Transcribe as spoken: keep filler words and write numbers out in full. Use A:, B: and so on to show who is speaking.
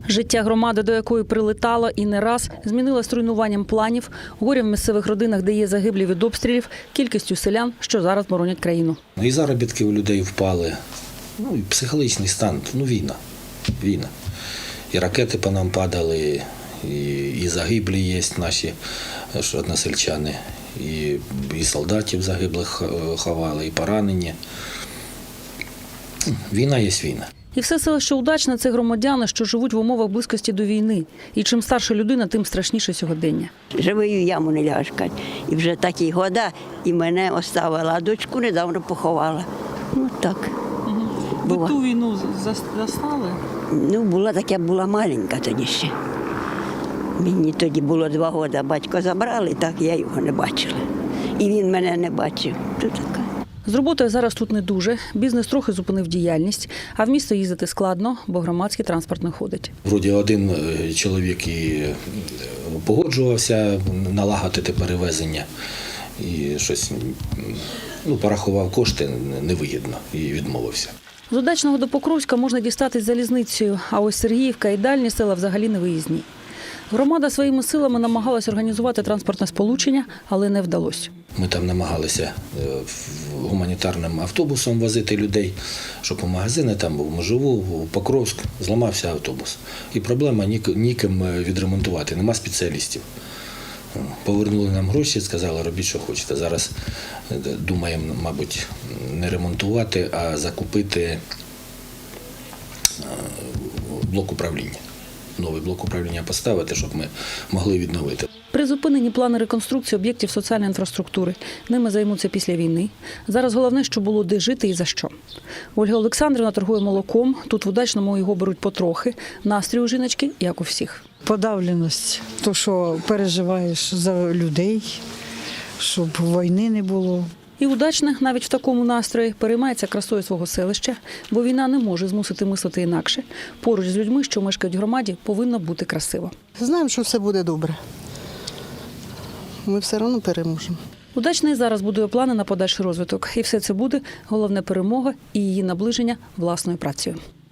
A: Життя громади, до якої прилетало і не раз, змінилось руйнуванням планів, горем в місцевих родинах, де є загиблі від обстрілів, кількістю селян, що зараз боронять країну.
B: І заробітки у людей впали, ну і психологічний стан, ну війна, війна. І ракети по нам падали, і, і загиблі є наші односельчани, і, і солдатів загиблих ховали, і поранені. Війна є війна.
A: І все селище Удачне – це громадяни, що живуть в умовах близькості до війни. І чим старша людина, тим страшніше сьогодення.
C: Живий в яму не ляжкать. І вже такі года, і мене оставила, а дочку недавно поховала. Ну так.
A: Ви ту війну застали?
C: Ну, була так, я була маленька тоді ще. Мені тоді було два роки, батько забрали, так я його не бачила. І він мене не бачив. То така.
A: З роботою зараз тут не дуже. Бізнес трохи зупинив діяльність, а в місто їздити складно, бо громадський транспорт не ходить.
B: Вроді один чоловік і погоджувався налагодити перевезення, і щось, ну, порахував кошти невигідно і відмовився.
A: З Удачного до Покровська можна дістатись залізницею, а ось Сергіївка і дальні села взагалі не виїзні. Громада своїми силами намагалась організувати транспортне сполучення, але не вдалося.
B: Ми там намагалися гуманітарним автобусом возити людей, щоб у магазини там був Межову, в Покровськ, зламався автобус. І проблема ніким відремонтувати, нема спеціалістів. Повернули нам гроші, сказали, робіть, що хочете. Зараз думаємо, мабуть, не ремонтувати, а закупити блок управління. Новий блок управління поставити, щоб ми могли відновити.
A: Призупинені плани реконструкції об'єктів соціальної інфраструктури. Ними займуться після війни. Зараз головне, що було де жити і за що. Ольга Олександрівна торгує молоком. Тут в Удачному його беруть потрохи. Настрій у жіночки, як у всіх.
D: Подавленість, то, що переживаєш за людей, щоб війни не було.
A: І Удачне навіть в такому настрої переймається красою свого селища, бо війна не може змусити мислити інакше. Поруч з людьми, що мешкають в громаді, повинно бути красиво.
E: Знаємо, що все буде добре. Ми все одно переможемо.
A: Удачний зараз будує плани на подальший розвиток. І все це буде головне перемога і її наближення власною працею.